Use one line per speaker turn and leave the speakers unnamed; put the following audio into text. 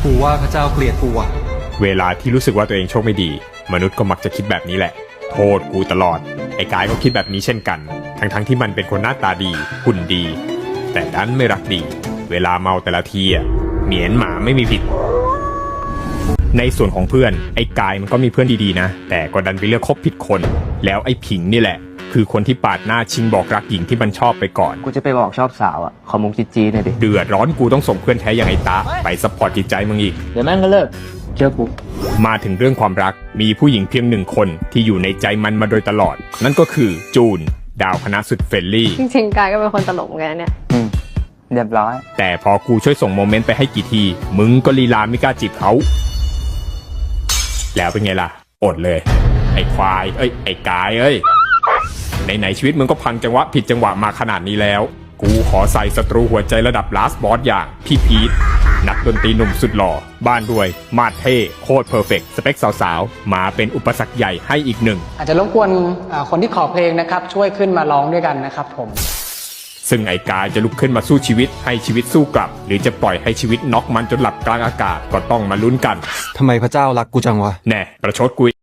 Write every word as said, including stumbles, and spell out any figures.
กูว่าพระเจ้าเกลียดกูอะ
เวลาที่รู้สึกว่าตัวเองโชคไม่ดีมนุษย์ก็มักจะคิดแบบนี้แหละโทษกูตลอดไอ้กายก็คิดแบบนี้เช่นกันทั้งๆ ท, ที่มันเป็นคนหน้าตาดีหุ่นดีแต่ดันไม่รักดีเวลาเมาแต่ละทีอ่ะเหมียนหมาไม่มีผิดในส่วนของเพื่อนไอ้กายมันก็มีเพื่อนดีๆนะแต่ก็ดันไปเลือกคบผิดคนแล้วไอ้ผิงนี่แหละคือคนที่ปาดหน้าชิงบอกรักหญิงที่มันชอบไปก่อน
กูจะไปบอกชอบสาวอ่ะขอมุกจีจีหน่อยดิ
เดือดร้อนกูต้องส่งเพื่อนแท้อย่างไอ้ตาไปซัพพอร์ตจิตใจมึงอีก
เดี๋ยวแม่งก็เลิกเชื่อกู
มาถึงเรื่องความรักมีผู้หญิงเพียงหนึ่งคนที่อยู่ในใจมันมาโดยตลอดนั่นก็คือจูนดาวคณะสุดเฟรนลี่
จริงๆกายก็เป็นคนตลกเหมือนกันเนี่ย
อืมเรียบร้อย
แต่พอกูช่วยส่งโมเมนต์ไปให้กี่ทีมึงก็ลีลาไม่กล้าจีบเขาแล้วเป็นไงล่ะอดเลยไอ้ควายเอ้ยไอ้กายเอ้ยไหนๆชีวิตมึงก็พังจังหวะผิดจังหวะมาขนาดนี้แล้วกูขอใส่ศัตรูหัวใจระดับลาสบอสอย่างพี่พีทนักดนตรีหนุ่มสุดหล่อบ้านรวยมาดเท่โคตรเพอร์เฟกต์สเปคสาวๆมาเป็นอุปสรรคใหญ่ให้อีกหนึ่ง
อาจจะรบกวนคนที่ขอเพลงนะครับช่วยขึ้นมาร้องด้วยกันนะครับผม
ซึ่งไอ้กายจะลุกขึ้นมาสู้ชีวิตให้ชีวิตสู้กลับหรือจะปล่อยให้ชีวิตน็อกมันจนหลับกลางอากาศก็ต้องมาลุ้นกัน
ทำไมพระเจ้ารักกูจังวะ
แน่ประชดกู